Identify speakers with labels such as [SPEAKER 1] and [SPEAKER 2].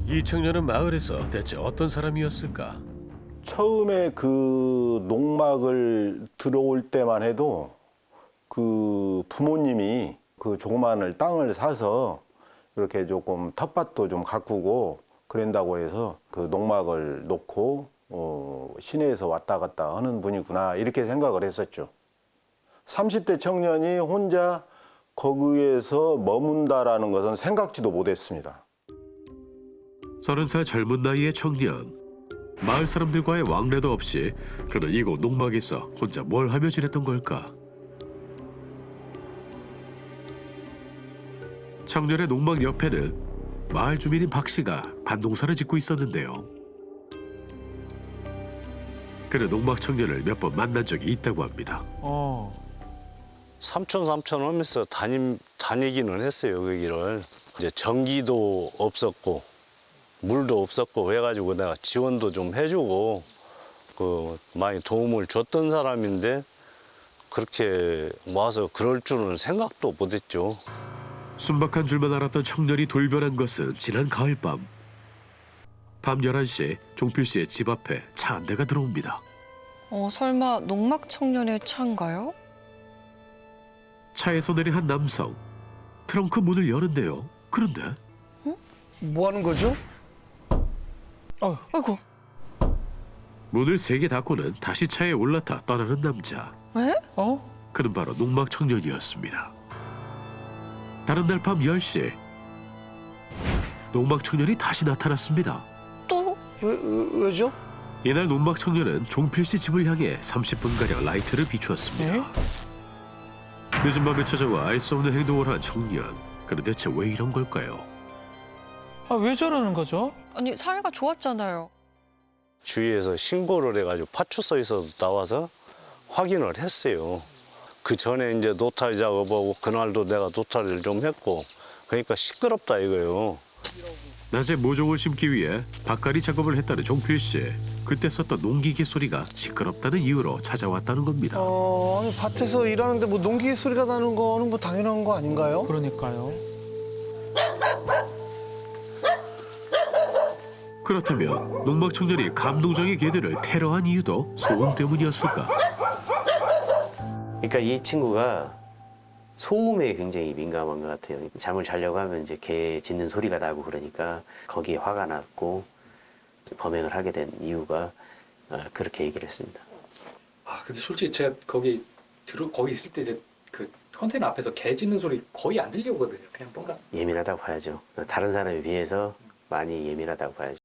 [SPEAKER 1] 이 청년은 마을에서 대체 어떤 사람이었을까?
[SPEAKER 2] 처음에 그 농막을 들어올 때만 해도 그 부모님이 그 조그마한 땅을 사서 이렇게 조금 텃밭도 좀 가꾸고 그런다고 해서 그 농막을 놓고 시내에서 왔다 갔다 하는 분이구나 이렇게 생각을 했었죠. 30대 청년이 혼자 거기에서 머문다라는 것은 생각지도 못했습니다.
[SPEAKER 1] 30살 젊은 나이의 청년. 마을 사람들과의 왕래도 없이 그는 이곳 농막에서 혼자 뭘 하며 지냈던 걸까? 청년의 농막 옆에는 마을 주민인 박 씨가 밭농사를 짓고 있었는데요. 그는 농막 청년을 몇 번 만난 적이 있다고 합니다.
[SPEAKER 3] 삼촌 하면서 다니기는 했어요, 그 길을. 이제 전기도 없었고 물도 없었고 해가지고 내가 지원도 좀 해주고 많이 도움을 줬던 사람인데 그렇게 와서 그럴 줄은 생각도 못했죠.
[SPEAKER 1] 순박한 줄만 알았던 청년이 돌변한 것은 지난 가을밤. 밤 11시 종필 씨의 집 앞에 차 한 대가 들어옵니다.
[SPEAKER 4] 설마 농막 청년의 차인가요?
[SPEAKER 1] 차에서 내린 한 남성. 트렁크 문을 여는데요. 그런데
[SPEAKER 5] 뭐 하는 거죠?
[SPEAKER 4] 아이고,
[SPEAKER 1] 문을 3개 닫고는 다시 차에 올라타 떠나는 남자.
[SPEAKER 4] 에?
[SPEAKER 1] 그는 바로 농막 청년이었습니다. 다른 날 밤 10시 농막 청년이 다시 나타났습니다.
[SPEAKER 4] 또?
[SPEAKER 5] 왜죠?
[SPEAKER 1] 이날 농막 청년은 종필 씨 집을 향해 30분가량 라이트를 비추었습니다. 늦은 밤에 찾아와 알 수 없는 행동을 한 청년. 그는 대체 왜 이런 걸까요?
[SPEAKER 6] 왜 저러는 거죠?
[SPEAKER 4] 아니, 사이가 좋았잖아요.
[SPEAKER 3] 주위에서 신고를 해가지고 파출소에서 나와서 확인을 했어요. 그 전에 이제 노타리 작업하고 그날도 내가 노타리를 좀 했고 그러니까 시끄럽다 이거예요.
[SPEAKER 1] 낮에 모종을 심기 위해 밭갈이 작업을 했다는 종필 씨. 그때 썼던 농기계 소리가 시끄럽다는 이유로 찾아왔다는 겁니다.
[SPEAKER 5] 아니, 밭에서 일하는데 뭐 농기 소리가 나는 거는 뭐 당연한 거 아닌가요?
[SPEAKER 6] 그러니까요.
[SPEAKER 1] 그렇다면 농막 청년이 감농장의 개들을 테러한 이유도 소음 때문이었을까?
[SPEAKER 7] 그러니까 이 친구가 소음에 굉장히 민감한 것 같아요. 잠을 자려고 하면 이제 개 짖는 소리가 나고 그러니까 거기에 화가 났고 범행을 하게 된 이유가 그렇게 얘기를 했습니다.
[SPEAKER 8] 근데 솔직히 제가 거기 있을 때 이제 그 컨테이너 앞에서 개 짖는 소리 거의 안 들려오거든요. 그냥 뭔가
[SPEAKER 7] 예민하다고 봐야죠. 다른 사람에 비해서 많이 예민하다고 봐야죠.